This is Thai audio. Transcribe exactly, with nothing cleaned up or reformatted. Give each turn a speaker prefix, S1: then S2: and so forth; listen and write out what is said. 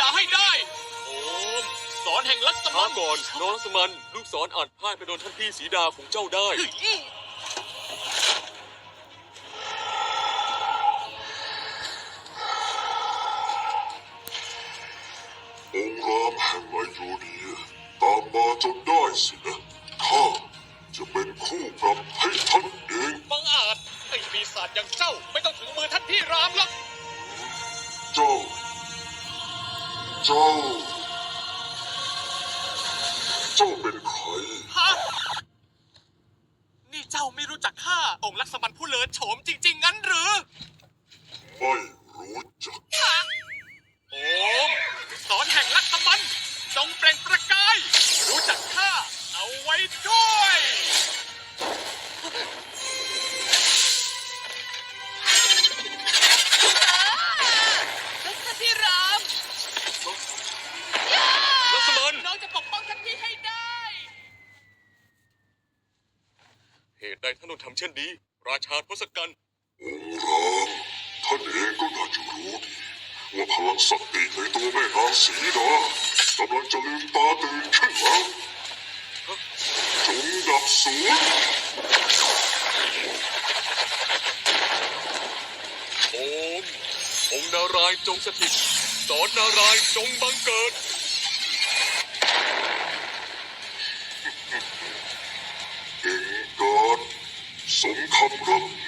S1: ดาให้ได้โอมสอนแห่งลักษ
S2: ช้า
S1: มัน
S2: ก่อนน้องลักษมันลูกศรอาจพ่ายไปโดนท่านพี่สีดาของเจ้าได้
S3: องค์รามแห่งไอโยเนียตามมาจนได้สินะข้าจะเป็นคู่ปรับให้ท่านเอง
S1: บังอาจไอ้ปีศาจอย่างเจ้าไม่ต้องถึงมือท่านพี่รามหรอก
S3: เจ้า เจ้า เจ้าเป็นใคร
S1: ฮะนี่เจ้าไม่รู้จักข้าองค์ลักษมันผู้เลิศโฉมจริงๆงั้นหรือ
S3: ไม่รู้จัก
S1: ฮะโอมสอนแห่งลักษมันจงเปล่งประกายรู้จักข้าเอาไว้ด้วย
S4: รักพี่ราม
S2: ลักษมัน
S4: น้องจะปกป้องท่านพี่ให้ได้
S2: เหตุใดท่านต้องทำเช่นนี้ ราชาทศกัณฐ์
S3: องค์รามท่านเองก็น่าจะรู้ดีว่าพลังศักดิ์ในตัวแม่นางสีดากำลังจะลืมตาตื่นขึ้นแล้วจงดับสูญ
S2: โอมองค์นารายณ์จงสถิตสอนนารายณ์จงบังเกิด
S3: เก่งกาจสมคำรับ